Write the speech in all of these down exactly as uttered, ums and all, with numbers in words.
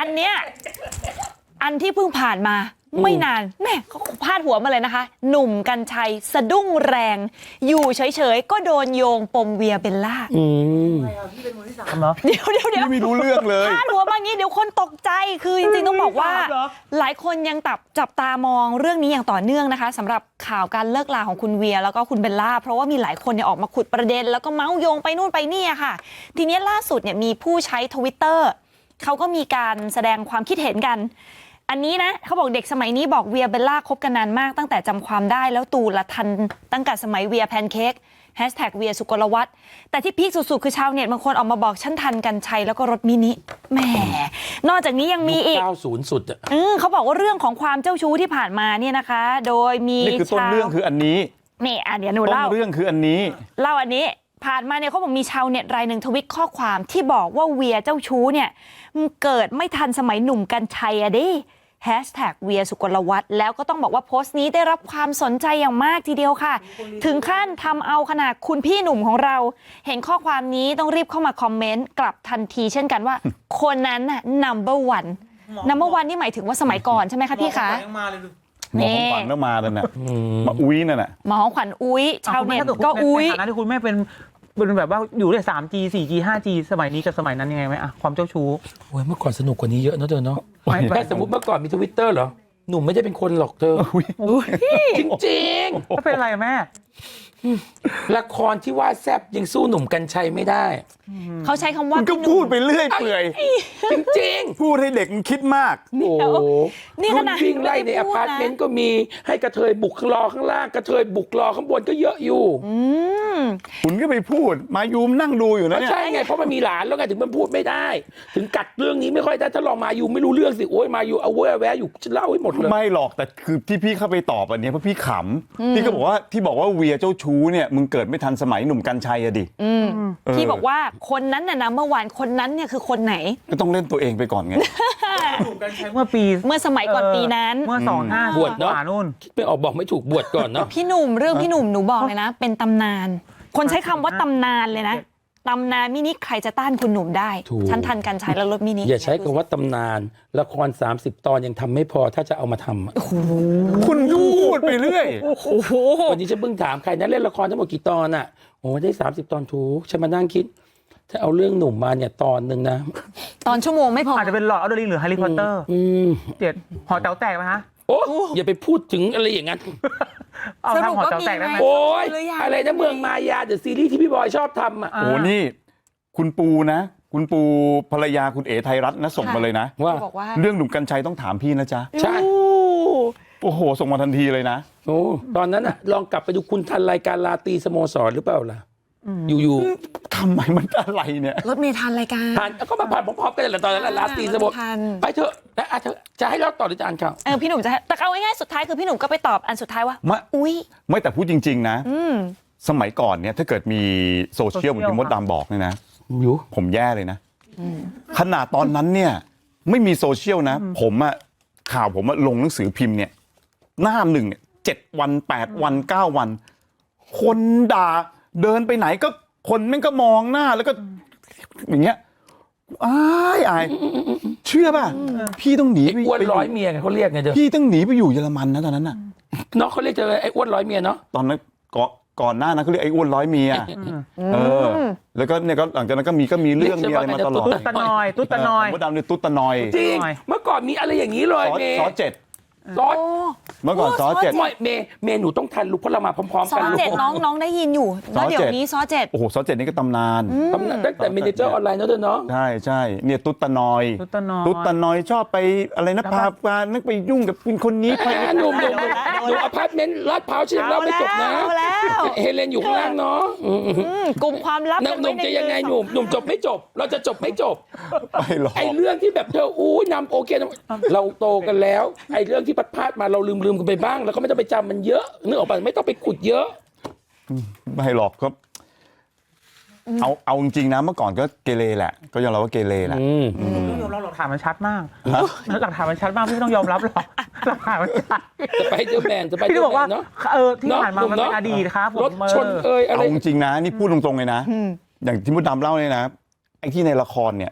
อันเนี้ยอันที่เพิ่งผ่านมาไม่นานแม่เขาพาดหัวมาเลยนะคะหนุ่มกรรชัยสะดุ้งแรงอยู่เฉยๆก็โดนโยงปมเวียเบลล่าเดี๋ยวเดี๋ยวเดี๋ยวไม่รู้เรื่องเลยพาดหัวมางี้เดี๋ยวคนตกใจคือจริงๆต้องบอกว่าหลายคนยังตับจับตามองเรื่องนี้อย่างต่อเนื่องนะคะสำหรับข่าวการเลิกลาของคุณเวียแล้วก็คุณเบลล่าเพราะว่ามีหลายคนเนี่ยออกมาขุดประเด็นแล้วก็เมาส์โยงไปนู่นไปนี่ค่ะทีนี้ล่าสุดเนี่ยมีผู้ใช้ Twitter เขาก็มีการแสดงความคิดเห็นกันอันนี้นะเขาบอกเด็กสมัยนี้บอกเวียเบลล่าคบกันนานมากตั้งแต่จำความได้แล้วตูละทันตั้งแต่สมัยเวียแพนเค้กแฮชแท็กเวียสุกลวัฒน์แต่ที่พีคสุดๆคือชาวเน็ตบางคนออกมาบอกฉันทันกันชัยแล้วก็รถมินิแหมนอกจากนี้ยังมีอีกเก้าสิบสุดอ่ะอืมเขาบอกว่าเรื่องของความเจ้าชู้ที่ผ่านมาเนี่ยนะคะโดยมีนี่คือต้นเรื่องคืออันนี้นี่อ่ะเดี๋ยวหนูเล่าต้นเรื่องคืออันนี้เล่าอันนี้ผ่านมาเนี่ยเขาบอกมีชาวเน็ตรายหนึ่งทวิตข้อความที่บอกว่าเวียเจ้าชู้เนี่ยเกิดไม่ทันสมัยหนุ่มกันชัยอะดิแฮชแท็กเวียสุกลวัฒน์แล้วก็ต้องบอกว่าโพสต์นี้ได้รับความสนใจอย่างมากทีเดียวค่ะถึงขั้นทำเอาขนาดคุณพี่หนุ่มของเราเห็นข้อความนี้ต้องรีบเข้ามาคอมเมนต์กลับทันทีเช่นกันว่า คนนั้นน่ะ number one number one นี่หมายถึงว่าสมัยก่อนใช่ไหมคะพี่คะหมอของขวัญก็มาแล้วน่ะมาอุ้ยนั่นน่ะหมอของขวัญอุ้ยชาวเน็ตก็อุ้ยในฐานะที่คุณแม่เป็นเป็นแบบว่าอยู่ได้ สามจี สี่จี ห้าจี สมัยนี้กับสมัยนั้นยังไงไหมอะความเจ้าชู้โอ้ยเมื่อก่อนสนุกกว่านี้เยอะนะเธอเนาะแค่สมมติเมื่อก่อนมีทวิตเตอร์เหรอหนุ่มไม่ได้เป็นคนหรอกเธอจริงจริงก็เป็นอะไรแม่ละครที่ว่าแซบยังสู้หนุ่มกัญชัยไม่ได้เขาใช้คำว่าก็พูดไปเรื่อยเปื่อยจริงๆพูดให้เด็กมันคิดมากโอ้นี่ขนาดวิ่งไล่ในอพาร์ตเมนต์ก็มีให้กระเทยบุกรอข้างล่างกระเทยบุกรอข้างบนก็เยอะอยู่คุณก็ไปพูดมายูมนั่งดูอยู่นะเนี่ยใช่ไงเพราะมันมีหลานแล้วไงถึงมันพูดไม่ได้ถึงกัดเรื่องนี้ไม่ค่อยได้ถ้าลองมายูไม่รู้เรื่องสิโอ้ยมายูเอาเว้ยแวะอยู่จะเล่าให้หมดเลยไม่หรอกแต่คือที่พี่เข้าไปตอบอันนี้เพราะพี่ขำพี่ก็บอกว่าที่บอกว่าเวียเจ้าชู้เนี่ยมึงเกิดไม่ทันสมัยหนุ่มกัญชัยอะดิพี่บอกว่าคนนั้นน่ะนะเมื่อวานคนนั้นเนี่ยคือคนไหนก็ต้องเล่นตัวเองไปก่อนไงหนุ่มกัญชัยเมื่อปีเมื่อสมัยก่อนปีนั้นเมื่อสองห้าบวชเนาะคิดไปออกบอกไม่ถูกบวชก่อนเนาะพี่หนุ่มเรื่องพี่หนุ่มหนูบอกเลยนะเป็นตำนานคนใช้คำว่าตำนานเลยนะตำนานมินิใครจะต้านคุณหนุ่มได้ฉันทันกันใช้แล้วรถมินิอย่าใช้คำว่าตำนานละครสามสิบตอนยังทำไม่พอถ้าจะเอามาทำคุณพูดไปเรื่อยวันนี้ฉันเพิ่งถามใครนะเล่นละครทั้งหมดกี่ตอนอ่ะโอ้ได้สามสิบตอนถูกฉันมานั่งคิดถ้าเอาเรื่องหนุ่มมาเนี่ยตอนหนึ่งนะตอนชั่วโมงไม่พออาจจะเป็นหลอดอัลเดอร์ลิงหรือแฮร์รี่พอตเตอร์เจ็ดหอแต๋วแตกไหมฮะโอ้อย่าไปพูดถึงอะไรอย่างนั้นสรุปว่ามีไหมโอ้ยอะไรนะเมืองมายาเดอะซีรีส์ที่พี่บอยชอบทำอ่ะโอ้นี่คุณปูนะคุณปูภรรยาคุณเอ๋ไทยรัฐนะส่งมาเลยนะว่าเรื่องหนุ่มกัญชัยต้องถามพี่นะจ๊ะใช่โอ้โหส่งมาทันทีเลยนะโอ้ตอนนั้นอ่ะลองกลับไปดูคุณทันรายการลาตีสโมสรหรือเปล่าล่ะอยู่ๆทำไมมันอะไรเนี่ยรถเมล์ทันรายการทันก็มาผ่านพร้อมๆกันแหละตอนนั้นลาตีสโมสรไปเถอะนะอาจจะจะให้เราต่อหรือจะอ่านข่าวเออพี่หนุ่มจะแต่เอาง่ายๆสุดท้ายคือพี่หนุ่มก็ไปตอบอันสุดท้ายว่าอุ้ยไม่แต่พูดจริงๆนะสมัยก่อนเนี่ยถ้าเกิดมีโซเชียลเหมือนที่มดดำบอกเนี่ยนะผมแย่เลยนะขนาดตอนนั้นเนี่ยไม่มีโซเชียลนะผมอะข่าวผมลงหนังสือพิมพ์เนี่ยหน้าหนึ่งเนี่ยเจ็ดวันแปดวันเก้าวันคนด่าเดินไปไหนก็คนแม่งก็มองหน้าแล้วก็อย่างเงี้ยอายอายเชื่อป่ะพี่ต้องหนีไปอ้วนร้อยเมียไงเขาเรียกไงเด้อพี่ต้องหนีไปอยู่เยอรมันนะตอนนั้นน่ะเนาะเขาเรียกเจอไอ้อ้วนร้อยเมียเนาะตอนนั้นก่อนก่อนหน้านั้นเขาเรียกไอ้อ้วนร้อยเมียเออแล้วก็เนี่ยก็หลังจากนั้นก็มีก็มีเรื่องมีอะไรมาตลอดตุ๊ดตะนอยตุ๊ดตะนอยมดดำเนี่ยตุ๊ดตะนอยจริงเมื่อก่อนมีอะไรอย่างนี้เลยเมย์ซอเจ็ดซอเมื่อก่อนซอเจ็ดเมย์เมย์หนูต้องทันลูกเพราะเรามาพร้อมๆกันซอเจ็ดน้องน้องได้ยินอยู่แล้วเดี๋ยวนี้ซอเจ็ดโอ้โหซอเจ็ดนี่ก็ตำนานตำนานตั้งแต่เมเนเจอร์ออนไลน์เนาะเธอเนาะใช่ใช่เนี่ยตุ๊ดตะนอยตุ๊ดตะนอยตุ๊ดตะนอยชอบไปอะไรนะพาพานักไปยุ่งกับคนนี้ไปหนุ่มหนุ่มหนุ่มอพาร์ตเมนต์ลาดพร้าวฉันเล่าไม่จบนะเฮเลนอยู่ข้างล่างเนาะกลุ่มความลับหนุ่มจะยังไงหนุ่มหนุ่มจบไม่จบเราจะจบไม่จบไม่หรอกไอเรื่องที่แบบเธออู้นำโอเคเราโตกันแล้วไอเรื่องที่พัดพลาดมาเราลืมลืมกันไปบ้างแล้วก็ไม่ต้องไปจำมันเยอะนึกออกป่ะไม่ต้องไปขุดเยอะไม่หรอกครับเอาเอาจริงๆนะเมื่อก่อนก็เกเรแหละก็ยอมรับว่าเกเรแหละต้องยอมรับหลักฐานมันชัดมากหลักฐานมันชัดมากพี่ต้องยอมรับหรอกหลักฐานมันชัดจะไปเดอร์แมนจะไปพี่บอกว่าเออที่ผ่านมามันเป็นอดีตครับรถชนเอยอะไรเอาจริงๆนะนี่พูดตรงๆเลยนะอย่างที่มดดำเล่าเลยนะไอ้ที่ในละครเนี่ย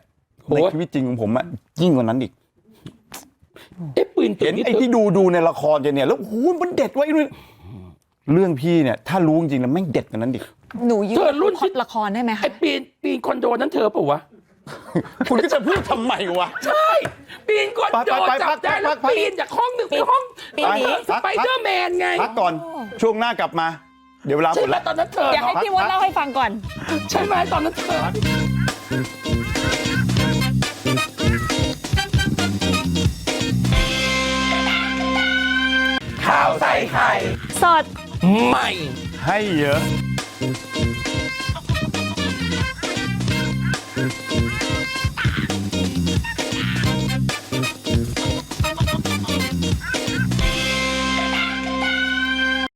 ในชีวิตจริงของผมอะยิ่งกว่านั้นอีกเอ๊ะปืนตัวเห็นนี้ไอ้ที่ดูดูในละครจะเนี่ยแล้วโอ้โหมันเด็ดไว้ยเรื่องพี่เนี่ยถ้ารู้จริงๆนะแม่งเด็ดกว่านั้นดิหนูยืเธอรุ่นพล็อตละครได้ไหมคะไอ้ปีนปีนคอนโดนั้นเธอเปล่าวะคุณก็จะพูดทำไมวะใช่ปีนคอนโดไปไปไปจับได้แล้วพักปีนจากห้องหนึ่งไปห้องปีนหนีสไปเดอร์แมนไงพักก่อนช่วงหน้ากลับมา เดี๋ยวเวลาหมใช่ดไหมแล้วตอนนั้นเธออยากให้เนาะพี่มดเล่าให้ฟังก่อนใช่ไหมตอนนั้นเธอข่าวใส่ไข่สดใหม่ให้เยอะ